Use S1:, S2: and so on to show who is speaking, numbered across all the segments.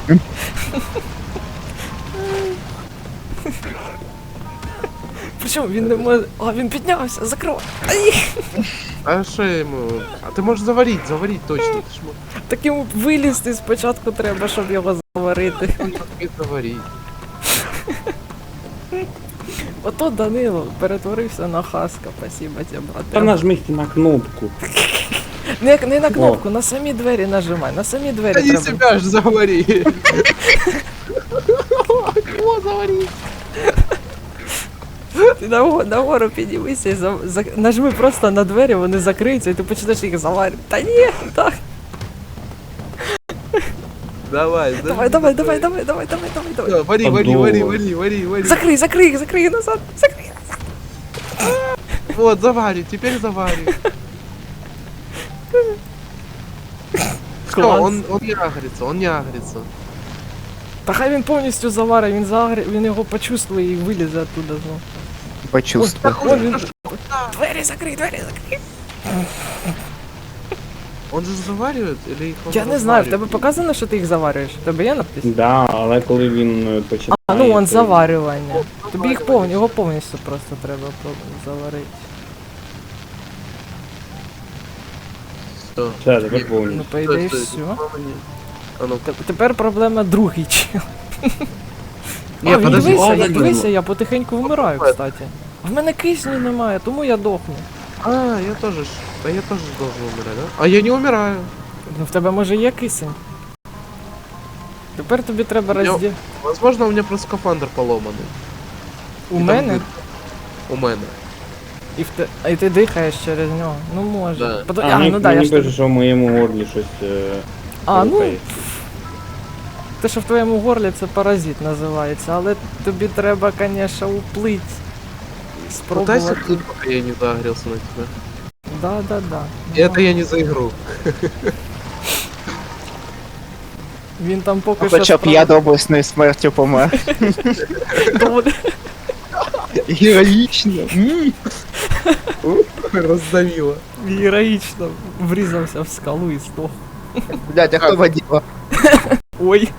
S1: Причому він не може... А, він піднявся, закривай. Ай!
S2: А що йому? А ти можеш заварить точно. Ти ж
S1: Так йому вилізти спочатку треба, щоб його заварити.
S2: можеш заварить.
S1: Ото Данило перетворився на хаска, спасибо тебе,
S3: Та
S1: брате.
S3: нажміть на кнопку.
S1: Не на кнопку, на самі двері нажимай, на самі двері
S2: Та не
S1: треба.
S2: себя ж завари. Кого завари?
S1: Ти нагору піднімися і нажми просто на двері, вони закриються і ти почнеш їх заварити. Та ні, так.
S2: Давай,
S1: Давай.
S2: Всё, вари.
S1: Закрий назад, закрий.
S2: Вот, завари, теперь завари. Всё,
S1: Класс.
S2: он не агрится.
S1: Та хай він повністю заварить, він його почувствує і вилізе оттуда знову.
S4: Почувствуй.
S1: Вон він. Двері закрий.
S2: Он же заваривает или их он
S1: Я не знаю, в тебе
S2: разваривает?
S1: показано, що ти їх заварюєш? В тебе є надпис?
S3: Да, але коли він починає...
S1: А, ну он
S3: то-
S1: заварювання. Тобі його повністю просто треба заварити.
S2: Всё.
S3: Все, тепер
S1: Ну,
S3: повністю.
S1: по ідеї,
S2: Стой,
S1: все.
S2: А ну.
S1: Тепер проблема другий чел.
S2: Ні,
S1: А, він
S2: подожди,
S1: дивися, я потихеньку вмираю, кстати. А в мене кисню немає, тому я дохну.
S2: А, я тоже должен умирать, да? А я не умираю.
S1: Ну в тебе може є кисень? Тепер тобі треба
S2: Я- Возможно, у меня просто скафандр поломанный.
S1: У
S2: І там
S1: мене?
S2: дир. У мене.
S1: І ти дихаєш через нього. Ну може.
S2: Да.
S1: Ну да, я
S3: мені
S1: ж
S3: пише,
S1: тобі...
S3: що в моєму горлі щось...
S1: А, ну,
S3: рухається.
S1: те, що в твоєму горлі, це паразит називається, але тобі треба, конечно, уплить.
S2: Пытайся
S1: Спробувати.
S2: тут, пока я не загорелся на тебя.
S1: Да.
S2: И это я не за игру.
S1: Він там поки що...
S4: Хоча б я доблесною смертю помер.
S1: доволі-
S4: Героїчно.
S2: Раздавило.
S1: героїчно врізався в скалу і здох.
S4: Блядь, а хто воділа?
S1: Ой,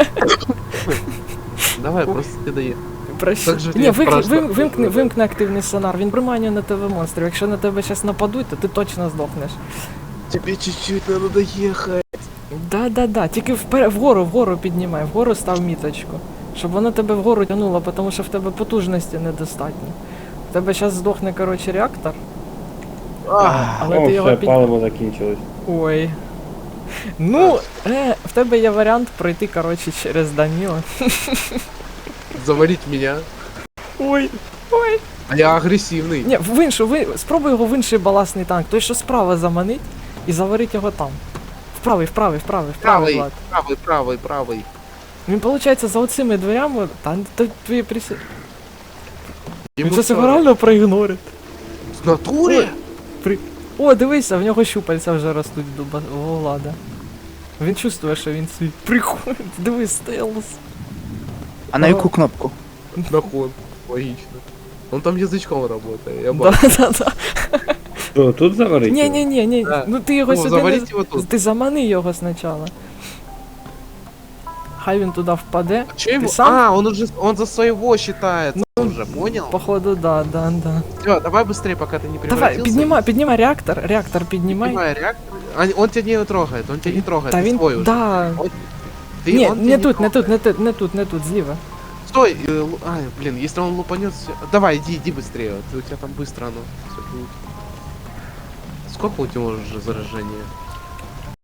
S2: Давай, просто ты доедь.
S1: прощай.
S2: Так же
S1: Ні,
S2: я страшно.
S1: вимкни активний сонар, він приманює на тебе монстрів. Якщо на тебе зараз нападуть, то ти точно здохнеш.
S2: Тебе чуть-чуть надо доехать.
S1: Да, тільки вгору піднімай, вгору став міточку. Щоб воно тебе вгору тягнуло, тому що в тебе потужності недостатньо. В тебе зараз здохне, коротше, реактор. Але
S3: О,
S1: ти його
S3: все, паливо закінчилось.
S1: Ой. Ну, в тебе є варіант пройти, коротше, через Даніла.
S2: Заварить меня.
S1: Ой.
S2: А я агрессивный.
S1: Ні, спробуй його в інший баласний танк, той, що справа заманить, і заварить його там. Вправий,
S2: Правый,
S1: Влад.
S2: правый.
S1: Він, виходить, за оцими дверями, та твої присі... Він
S2: Ему
S1: це себе
S2: всё.
S1: реально проігнорить.
S2: В натуре?
S1: О, дивися, в нього щупальця вже ростуть у Влада. Він чувствує, що він свій приходить. Дивись, стелс.
S4: А на яку кнопку?
S2: Наход. Логично. Он там язычком работает. Я бачу.
S1: Да.
S3: Що, тут заварити?
S1: Ні.
S2: Да.
S1: Ну ти його
S2: Ну,
S1: сюди
S2: заваріть
S1: не...
S2: його тут.
S1: Ти замани його спочатку. Хай він туди впаде.
S2: Че ему?
S1: сам?
S2: А, он за своего считается уже, понял?
S1: Походу, да.
S2: Всё, давай быстрее, пока ты не
S1: Давай,
S2: превратился.
S1: піднімай реактор піднімай.
S2: Поднимай реактор. Он тебя не трогает,
S1: Та
S2: ты
S1: він,
S2: свой уже.
S1: да.
S2: Ты-
S1: Ні,
S2: он
S1: не
S2: тебя
S1: тут, зліва.
S2: Стой, ай, блин, если он лупанет, давай, иди быстрее, у тебя там быстро оно всё будет. Сколько у тебя уже заражения?